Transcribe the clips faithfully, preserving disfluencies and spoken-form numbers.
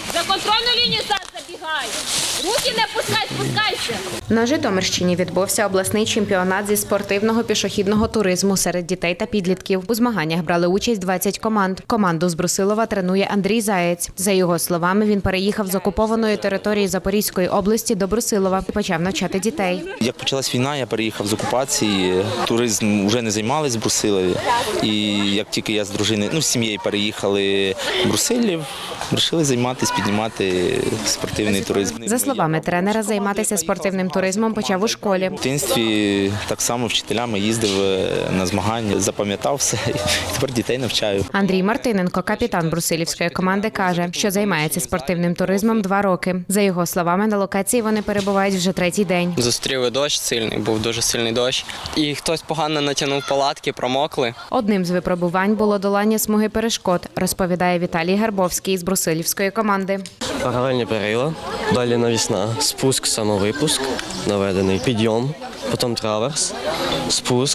За контрольну лінію зараз забігай. Руки не пускай, спускайся. На Житомирщині відбувся обласний чемпіонат зі спортивного пішохідного туризму серед дітей та підлітків. У змаганнях брали участь двадцять команд. Команду з Брусилова тренує Андрій Заєць. За його словами, він переїхав з окупованої території Запорізької області до Брусилова і почав навчати дітей. Як почалась війна, я переїхав з окупації. Туризм вже не займались в Брусилові. І як тільки я з дружиною, ну, з сім'єю переїхали в Брусилів, вирішили займатися, піднімати спортивний туризм. За словами тренера, займатися спортивним туризмом почав у школі. В дитинстві так само вчителями їздив на змагання, запам'ятав все і тепер дітей навчаю. Андрій Мартиненко, капітан брусилівської команди, каже, що займається спортивним туризмом два роки. За його словами, на локації вони перебувають вже третій день. Зустріли дощ сильний, був дуже сильний дощ. І хтось погано натягнув палатки, промокли. Одним з випробувань було долання смуги перешкод, розповідає Віталій Гарбовський з брусилівської команди. Паралельні перила, далі навісна, спуск, самовипуск, наведений, підйом, потім траверс, спуск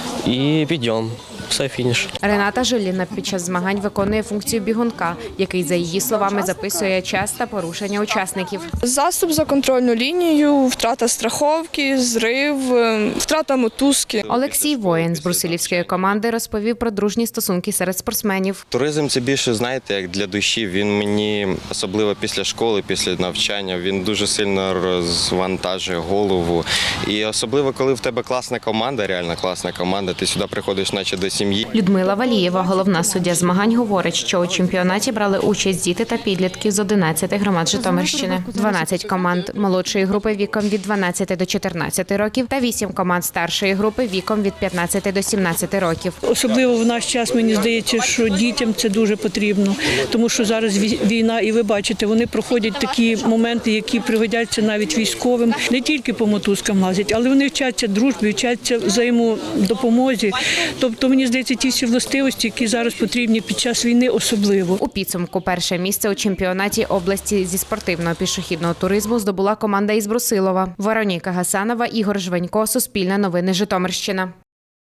і підйом. Все, фініш. Рената Жиліна під час змагань виконує функцію бігунка, який, за її словами, записує час та порушення учасників. Заступ за контрольну лінію, втрата страховки, зрив, втрата мотузки. Олексій Воїн з брусилівської команди розповів про дружні стосунки серед спортсменів. Туризм – це більше, знаєте, як для душі. Він мені, особливо після школи, після навчання, він дуже сильно розвантажує голову. І особливо, коли в тебе класна команда, реально класна команда, ти сюди приходиш наче до сім'ї. Людмила Валієва, головна суддя змагань, говорить, що у чемпіонаті брали участь діти та підлітки з одинадцяти громад Житомирщини. дванадцять команд молодшої групи віком від дванадцяти до чотирнадцяти років та вісім команд старшої групи віком від п'ятнадцяти до сімнадцяти років. Особливо в наш час, мені здається, що дітям це дуже потрібно, тому що зараз війна, і ви бачите, вони проходять такі моменти, які пригодяться навіть військовим. Не тільки по мотузкам лазять, але вони вчаться дружбі, вчаться взаємодопомозі. Тобто, мені здається, ті всі властивості, які зараз потрібні під час війни, особливо. У підсумку перше місце у чемпіонаті області зі спортивного пішохідного туризму здобула команда із Брусилова. Вероніка Гасанова, Ігор Жванько, Суспільне новини, Житомирщина.